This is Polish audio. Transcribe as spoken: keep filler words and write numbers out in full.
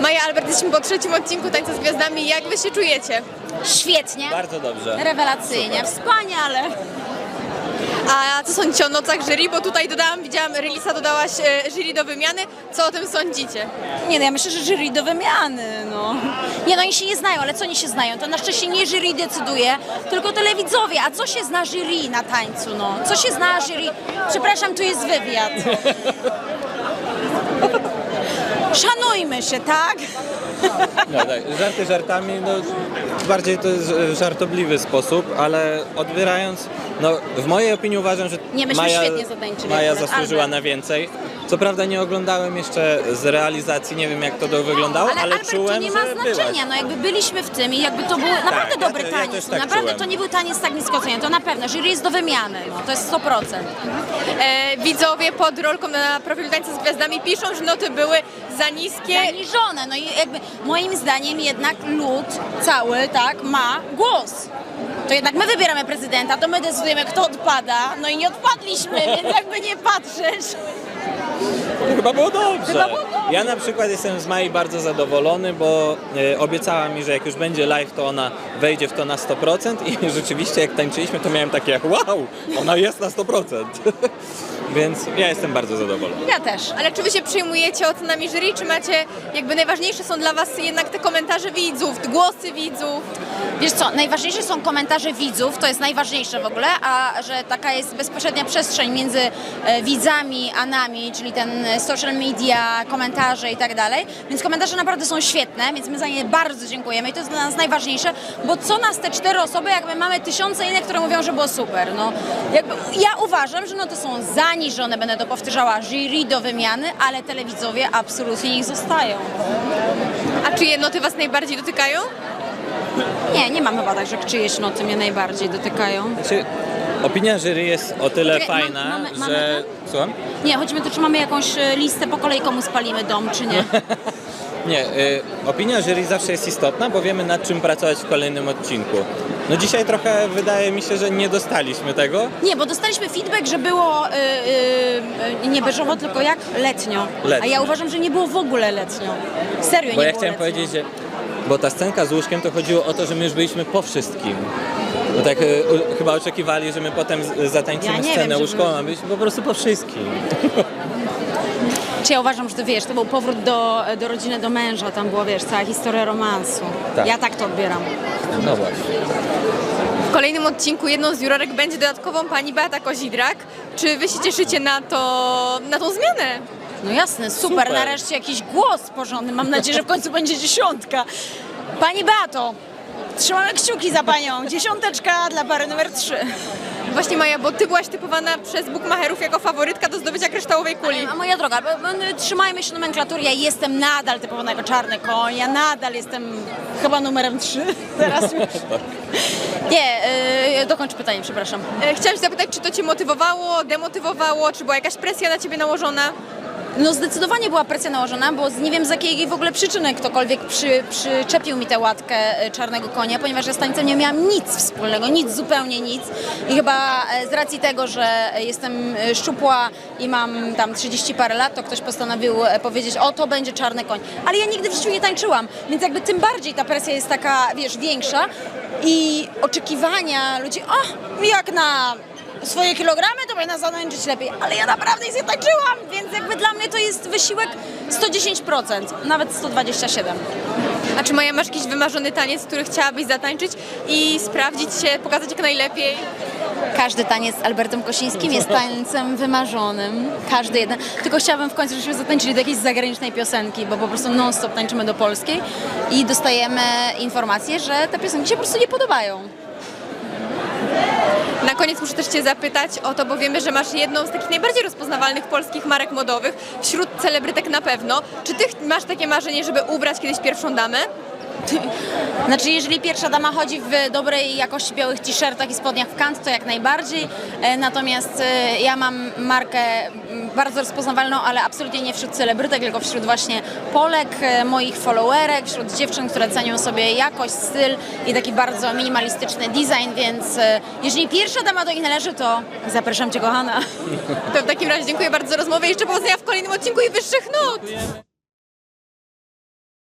Maja, Albert, jesteśmy po trzecim odcinku Tańca z Gwiazdami. Jak wy się czujecie? Świetnie. Bardzo dobrze. Rewelacyjnie, Super. wspaniale. A co sądzicie o nocach jury? Bo tutaj dodałam, widziałam, Relisa dodałaś e, jury do wymiany. Co o tym sądzicie? Nie no, ja myślę, że jury do wymiany, no. Nie no, oni się nie znają, ale co oni się znają? To na szczęście nie jury decyduje, tylko telewidzowie. A co się zna jury na tańcu, no? Co się zna jury? Przepraszam, tu jest wywiad. Szanujmy się, tak? No tak, żarty żartami, no bardziej to jest żartobliwy sposób, ale odbierając, no w mojej opinii uważam, że Nie, myśmy Maja, świetnie zatańczyli Maja akurat, zasłużyła Albert. na więcej. Co prawda nie oglądałem jeszcze z realizacji, nie wiem jak to do wyglądało, Ale, ale Albert, czułem, to nie ma że znaczenia, byłaś. no jakby byliśmy w tym i jakby to był naprawdę ja dobry te- ja taniec, też tak naprawdę czułem. to nie był taniec tak nisko oceniany, to na pewno, jury jest do wymiany, no, to jest sto procent. E, widzowie pod rolką na profilu Tańca z Gwiazdami piszą, że noty były za niskie. Zaniżone, no i jakby moim zdaniem jednak lud cały, tak, ma głos. To jednak my wybieramy prezydenta, to my decydujemy, kto odpada, no i nie odpadliśmy, więc jakby nie patrzeć. Chyba było dobrze. Chyba było dobrze. Ja na przykład jestem z Mai bardzo zadowolony, bo e, obiecała mi, że jak już będzie live, to ona wejdzie w to na sto procent i rzeczywiście jak tańczyliśmy, to miałem takie wow, ona jest na sto procent. Więc ja jestem bardzo zadowolony. Ja też. Ale czy wy się przyjmujecie ocenami jury, czy macie, jakby najważniejsze są dla was jednak te komentarze widzów, głosy widzów? Wiesz co, najważniejsze są komentarze widzów, to jest najważniejsze w ogóle, a że taka jest bezpośrednia przestrzeń między e, widzami a nami, czyli ten e, social media, komentarze i tak dalej, więc komentarze naprawdę są świetne, więc my za nie bardzo dziękujemy i to jest dla nas najważniejsze, bo co nas te cztery osoby, jak my mamy tysiące innych, które mówią, że było super, no. Jakby, ja uważam, że no to są zaniżone, będę to powtarzała, jury do wymiany, ale telewidzowie absolutnie niech zostają. A czyje noty was najbardziej dotykają? Nie, nie mam chyba tak, że czyjeś noty mnie najbardziej dotykają. Znaczy, opinia jury jest o tyle Czekaj, fajna, mamy- mamy że... Słucham? Nie, chodzi mi o to, czy mamy jakąś e, listę po kolei, komu spalimy dom, czy nie. Nie, y, opinia jury zawsze jest istotna, bo wiemy nad czym pracować w kolejnym odcinku. No dzisiaj trochę wydaje mi się, że nie dostaliśmy tego. Nie, bo dostaliśmy feedback, że było y, y, nie beżowo, tylko jak letnio. Letnio. A ja uważam, że nie było w ogóle letnio. Serio, Bo nie ja było chciałem letnio. powiedzieć, że... Bo ta scenka z łóżkiem to chodziło o to, że my już byliśmy po wszystkim. Bo tak y, u, chyba oczekiwali, że my potem z- zatańczymy Ja nie scenę wiem, żeby- łóżkową, a byliśmy po prostu po wszystkim. Czy ja uważam, że to wiesz, to był powrót do, do rodziny, do męża, tam była, wiesz, cała historia romansu. Tak. Ja tak to odbieram. No właśnie. W kolejnym odcinku jedną z jurorek będzie dodatkową pani Beata Kozidrak. Czy wy się cieszycie na to, na tą zmianę? No jasne, super, Super. nareszcie jakiś głos porządny. Mam nadzieję, że w końcu będzie dziesiątka. Pani Beato, trzymamy kciuki za panią. Dziesiąteczka dla pary numer trzy. Właśnie Maja, bo ty byłaś typowana przez bookmacherów jako faworytka do zdobycia kryształowej kuli. A moja droga, bo- bo- trzymajmy się nomenklatury, ja jestem nadal typowana jako czarny koń, ja nadal jestem chyba numerem trzy teraz już. Nie, yy, dokończ pytanie, przepraszam. E, Chciałam się zapytać, czy to cię motywowało, demotywowało, czy była jakaś presja na ciebie nałożona? No zdecydowanie była presja nałożona, bo z- nie wiem z jakiej w ogóle przyczyny ktokolwiek przy, przyczepił mi tę łatkę e, czarnego konia, ponieważ ja z tańcem nie miałam nic wspólnego, nic, zupełnie nic. I chyba e, z racji tego, że jestem e, szczupła i mam tam trzydzieści parę lat, to ktoś postanowił e, powiedzieć, o to będzie czarny koń. Ale ja nigdy w życiu nie tańczyłam, więc jakby tym bardziej ta presja jest taka, wiesz, większa i oczekiwania ludzi, o, jak na swoje kilogramy, to powinna zatańczyć lepiej, ale ja naprawdę nic nie tańczyłam, więc jakby dla mnie to jest wysiłek sto dziesięć procent, nawet sto dwadzieścia siedem. A czy Maja, masz jakiś wymarzony taniec, który chciałabyś zatańczyć i sprawdzić się, pokazać jak najlepiej? Każdy taniec z Albertem Kosińskim jest tańcem wymarzonym, każdy jeden. Tylko chciałabym w końcu, żebyśmy zatańczyli do jakiejś zagranicznej piosenki, bo po prostu non-stop tańczymy do polskiej i dostajemy informację, że te piosenki się po prostu nie podobają. Na koniec muszę też cię zapytać o to, bo wiemy, że masz jedną z takich najbardziej rozpoznawalnych polskich marek modowych, wśród celebrytek na pewno. Czy ty ch- masz takie marzenie, żeby ubrać kiedyś pierwszą damę? Znaczy, jeżeli pierwsza dama chodzi w dobrej jakości białych t-shirtach i spodniach w kant, to jak najbardziej. E, Natomiast e, ja mam markę m, bardzo rozpoznawalną, ale absolutnie nie wśród celebrytek, tylko wśród właśnie Polek, e, moich followerek, wśród dziewczyn, które cenią sobie jakość, styl i taki bardzo minimalistyczny design, więc e, jeżeli pierwsza dama do nich należy, to zapraszam cię, kochana. To w takim razie dziękuję bardzo za rozmowę i jeszcze powodzenia w kolejnym odcinku i wyższych nut!